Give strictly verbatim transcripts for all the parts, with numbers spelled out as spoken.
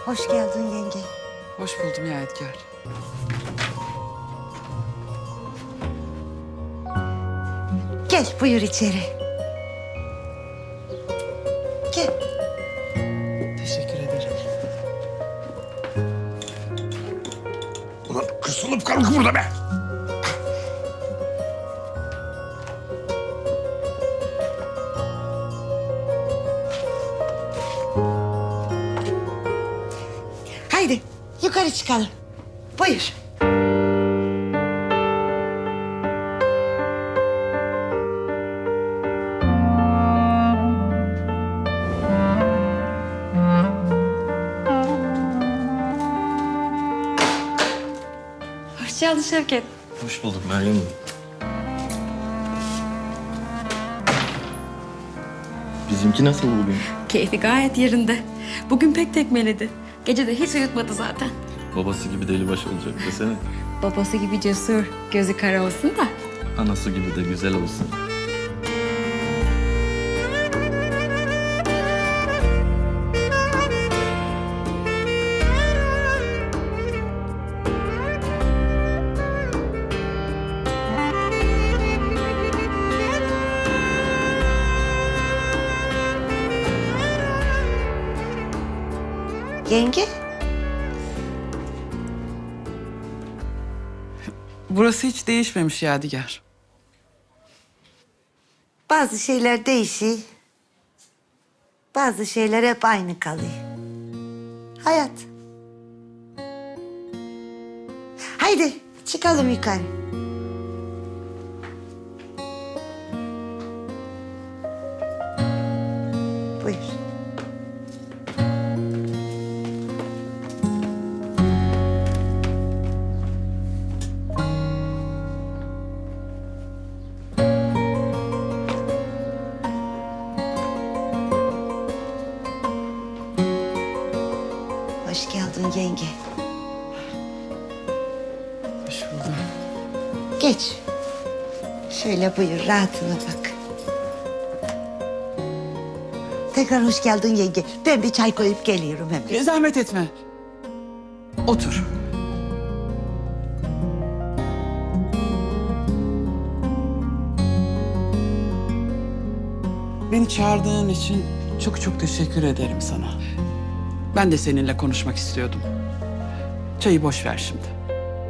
Hoş geldin yenge. Hoş buldum Yadigar. Gel buyur içeri. Gel. Teşekkür ederim. Ulan kısılıp kaldık burada be. Haydi yukarı çıkalım. Buyur. Hoş geldin Şevket. Hoş bulduk Meryem Hanım. Bizimki nasıl bugün? Keyfi gayet yerinde. Bugün pek tekmeledi. Gece de hiç uyutmadı zaten. Babası gibi delibaş olacak desene. Babası gibi cesur, gözü kara olsun da. Anası gibi de güzel olsun. Yenge. Burası hiç değişmemiş Yadigar. Bazı şeyler değişiyor. Bazı şeyler hep aynı kalıyor. Hayat. Haydi çıkalım yukarı. Buyur. Hoş geldin yenge. Hoş buldum. Geç. Şöyle buyur, rahatına bak. Tekrar hoş geldin yenge. Ben bir çay koyup geliyorum hemen. E, zahmet etme. Otur. Beni çağırdığın için çok çok teşekkür ederim sana. Ben de seninle konuşmak istiyordum. Çayı boş ver şimdi.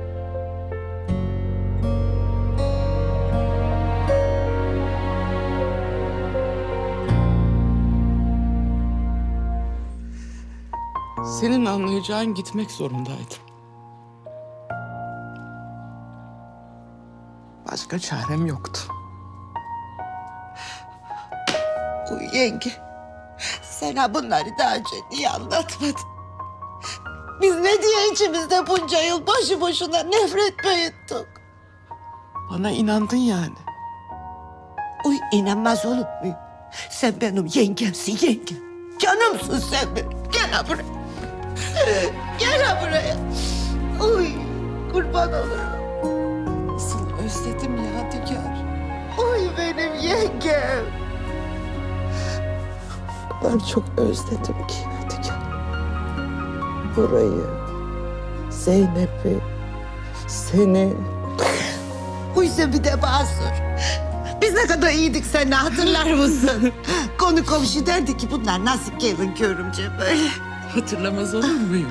Senin anlayacağın gitmek zorundaydım. Başka çarem yoktu. Uy yenge. Sana bunları daha önce niye anlatmadın? Biz ne diye içimizde bunca yıl boşu boşuna nefret büyüttük? Bana inandın yani. Uy inanmaz olur muyum? Sen benim yengemsin yengem. Canımsın sen benim. Gel ha buraya. Gel ha buraya. Uy kurban olurum. Nasıl özledim Yadigar. Uy benim yengem. Ben çok özledim ki Yadigar. Burayı, Zeynep'i, seni. Uy sen bir de basur. Biz ne kadar iyiydik seninle hatırlar mısın? Konu komşu derdi ki bunlar nasıl gelin görümce böyle. Hatırlamaz olur muyum?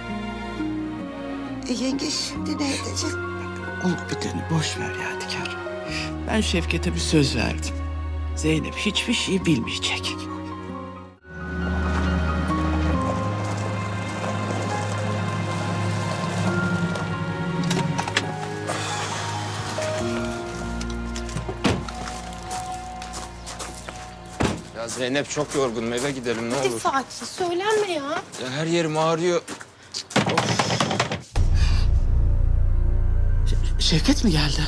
E, yenge şimdi ne edecek? Olup biteni boş ver Yadigar. Ben Şevket'e bir söz verdim. Zeynep hiçbir şey bilmeyecek. Ya Zeynep çok yorgunum, eve gidelim ne olur. Fatih söylenme ya. Ya her yerim ağrıyor. Ş- Şevket mi geldi?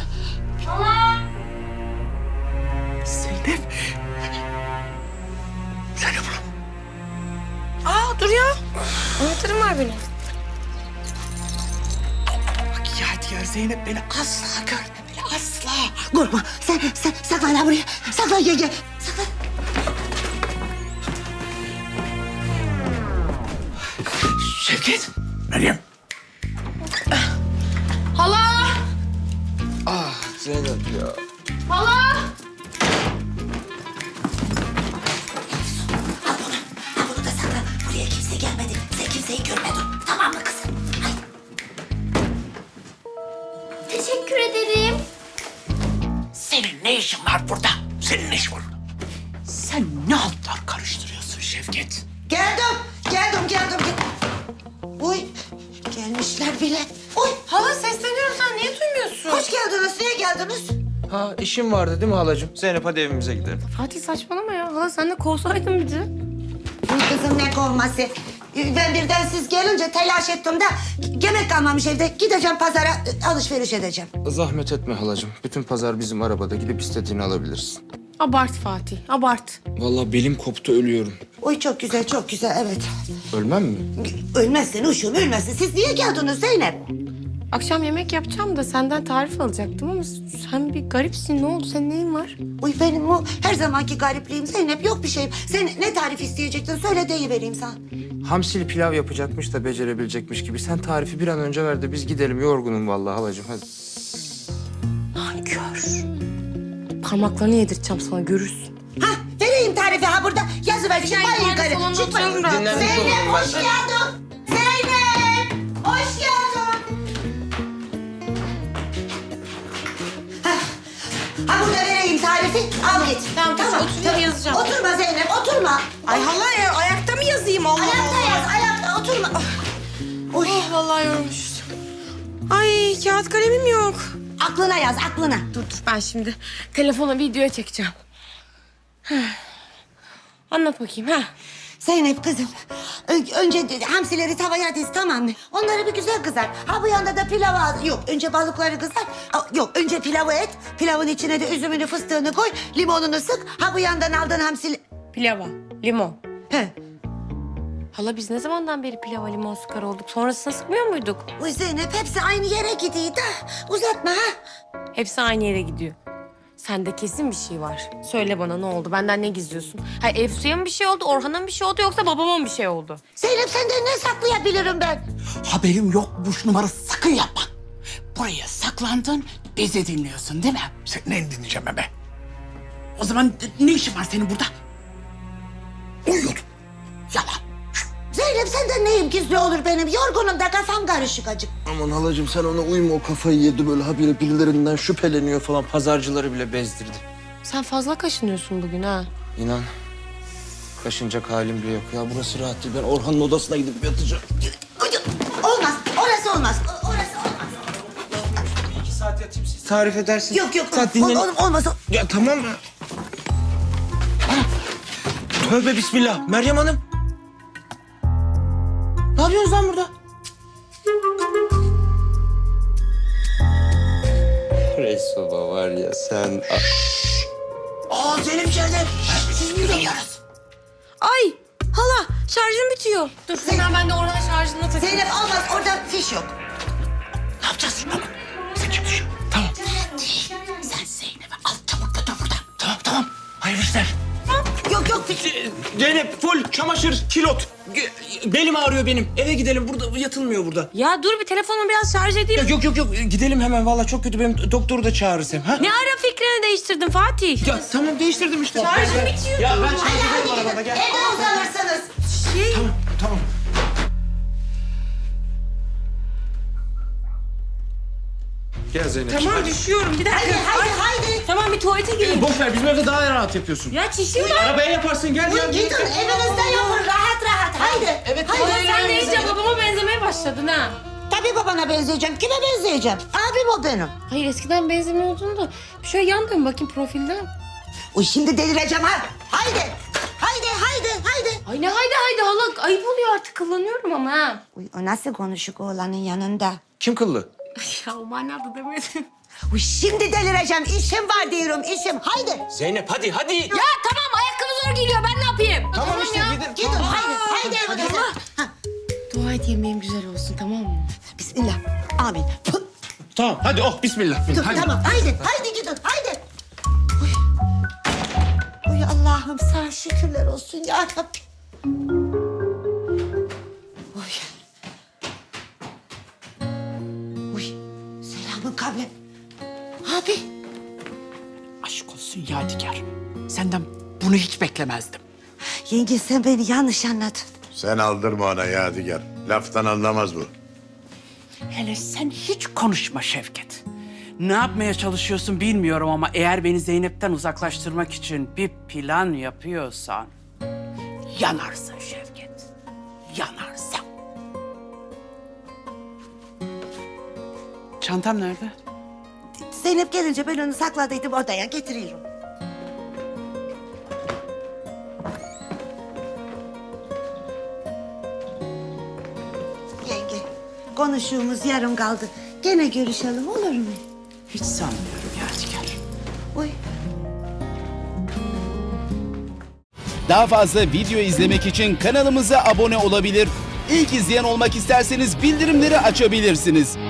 Zeynep. Zeynep ulan. Aa dur ya. Anahtarım var benim. Bak Yadigar Zeynep beni asla görmemeli asla. Korkma sen, sen saklan ha buraya. Saklan yenge. Saklan. Şevket. Şevket. Meryem. Hala! Ah Zeynep ya. Hala! Al bunu. Al bunu da sakla. Buraya kimse gelmedi. Sen kimseyi görmedin. Tamam mı kızım? Haydi. Teşekkür ederim. Senin ne işin var burada? Senin ne işin var burada? Sen ne altlar karıştırıyorsun Şevket? Geldim. Geldim, geldim. geldim. Uy. Gelmişler bile. Uy. Hala sesleniyorum, sen niye duymuyorsun? Hoş geldiniz. Niye geldiniz? Ha işim vardı değil mi halacığım? Zeynep hadi evimize gidelim. Fatih saçmalama ya. Hala sen de kovsaydın bizi. Uy kızım ne kovması. Ben birden siz gelince telaş ettim de yemek kalmamış evde. Gideceğim pazara e, alışveriş edeceğim. Zahmet etme halacığım. Bütün pazar bizim arabada. Gidip istediğini alabilirsin. Abart Fatih, abart. Vallahi belim koptu ölüyorum. Uy çok güzel, çok güzel evet. Ölmem mi? Ölmezsin uşum, ölmezsin. Siz niye geldiniz Zeynep? Akşam yemek yapacağım da senden tarif alacaktım ama sen bir garipsin. Ne oldu? Senin neyin var? Uy benim o her zamanki garipliğim Zeynep. Yok bir şeyim. Sen ne tarif isteyecektin? Söyle deyivereyim sana. Hamsili pilav yapacakmış da becerebilecekmiş gibi. Sen tarifi bir an önce ver de biz gidelim. Yorgunum vallahi halacığım hadi. Nankör. Parmaklarını yedirteceğim sana, görürsün. Hah, vereyim tarifi ha burada. Yazıver. Yani Çıkmayın ben yukarı. salonda Çıkmayın. oturuyorum rahat. Dinlenmiş Zeynep olurum ben hoş de. geldin. Zeynep hoş geldin. Hah, ha burada vereyim tarifi. Al git. Tamam, tamam. Otur, yazacağım. Oturma Zeynep, oturma. Ay hala ya, ayakta mı yazayım Allah Ayakta Allah? yaz, ayakta oturma. Uy, Oh, vallahi yormuşuz. Ay kağıt kalemim yok. aklına yaz, aklına. Dur dur, ben şimdi telefona videoya çekeceğim. Heh. Anlat bakayım ha. Zeynep kızım, ö- önce de- hamsileri tavaya diz tamam mı? Onları bir güzel kızar. Ha bu yanda da pilavı al. Yok, önce balıkları kızar. Ha, yok, önce pilavı et. Pilavın içine de üzümünü, fıstığını koy. Limonunu sık. Ha bu yandan aldığın hamsili... Pilava, limon. He. Hala biz ne zamandan beri pilava limon sıkar olduk? Sonrasında sıkmıyor muyduk? Uy Zeynep hepsi aynı yere gidiyor da. Uzatma ha. Hepsi aynı yere gidiyor. Sende kesin bir şey var. Söyle bana, ne oldu? Benden ne gizliyorsun? Ha, Efsu'ya mı bir şey oldu, Orhan'a mı bir şey oldu yoksa babama mı bir şey oldu? Zeynep senden ne saklayabilirim ben? Haberim yokmuş numarası sakın yapma. Buraya saklandın, bizi dinliyorsun değil mi? Sen ne dinleyeceğim ben be? O zaman ne işin var senin burada? Uyuyordum. Yalan. Zeynep senden neyim gizli olur benim? Yorgunum da kafam karışık acık. Aman halacığım sen ona uyma, o kafayı yedi böyle habire birilerinden şüpheleniyor falan. Pazarcıları bile bezdirdi. Sen fazla kaşınıyorsun bugün ha. İnan. Kaşınacak halim bile yok. Ya burası rahat değil. Ben Orhan'ın odasına gidip yatacağım. Olmaz, orası olmaz. O- Orası olmaz. İki saat yatayım siz tarif edersiniz. Yok yok, Saat ol- dinlenin. ol- olmaz. Ya tamam mı? Tövbe bismillah. Meryem Hanım. Ne yapıyorsunuz lan burada? Reis baba var ya sen... Aa Zeynep içeride. Siz mi yürüyorsunuz? Ay hala şarjım bitiyor. Dur, hemen ben de Orhan'a şarjını takayım. Zeynep olmaz, orada fiş yok. Ne yapacağız? Tamam. Sen kim düşün? Tamam. Sen Zeynep'i al çabuk götür buradan. Tamam tamam. Hayırlı işler. Yok yok fiş. Zeynep full çamaşır, kilot. Ge- Belim ağrıyor benim. Eve gidelim. Burada yatılmıyor burada. Ya dur, bir telefonumu biraz şarj edeyim. Ya yok yok yok. Gidelim hemen. Vallahi çok kötü. Benim doktoru da çağırırız hem. Ha? Ne ara fikrini değiştirdin Fatih? Ya tamam değiştirdim işte. Şarjım bitiyor. Ya ben şarj Hadi ederim hadi arabada gidin. gel. Evde uzanırsınız. Tamam tamam. Gel Zeynep. Tamam düşüyorum bir Haydi dakika. haydi haydi. Tamam, bir tuvalete gireyim. Boş ver bizim evde daha rahat yapıyorsun. Ya çişim var. Arabaya yaparsın gel ya. Gidin evinizde yapın rahat rahat haydi. Evet, haydi. haydi. Sen de iyice babama benzemeye başladın ha. Tabii babana benzeyeceğim. Kime benzeyeceğim? Abim o benim. Hayır, eskiden benzemiyordun da. Şöyle yan dön bakayım profilden. Uy şimdi delireceğim ha. Haydi. Haydi haydi haydi. Ay ne haydi haydi hala, ayıp oluyor artık, kullanıyorum ama ha. Uy o nasıl konuşuk oğlanın yanında? Kim kıllı? Ya o manada demedim. Uy şimdi delireceğim. İşim var diyorum işim. Haydi. Zeynep hadi hadi. Ya tamam, ayakkabı zor geliyor, ben ne yapayım? Tamam işte ya. gidin. Gidin haydi. Haydi evinize. Ha, Dua et yemeğim güzel olsun, tamam mı? Bismillah. Amin. Puh. Tamam hadi oh bismillah. Dur Hadi. tamam haydi. Haydi gidin haydi. Uy. Uy Allah'ım sana şükürler olsun ya Rabbim. Uy. olsun Yadigar. Senden bunu hiç beklemezdim. Yenge sen beni yanlış anladın. Sen aldırma ona Yadigar. Laftan anlamaz bu. Hele sen hiç konuşma Şevket. Ne yapmaya çalışıyorsun bilmiyorum ama eğer beni Zeynep'ten uzaklaştırmak için bir plan yapıyorsan yanarsın Şevket. Yanarsın. Çantam nerede? Zeynep gelince ben onu sakladıydım odaya getiriyorum. Yenge, konuştuğumuz yarım kaldı. Gene görüşelim olur mu? Hiç sanmıyorum Yadigar. Uy. Daha fazla video izlemek için kanalımıza abone olabilir. İlk izleyen olmak isterseniz bildirimleri açabilirsiniz.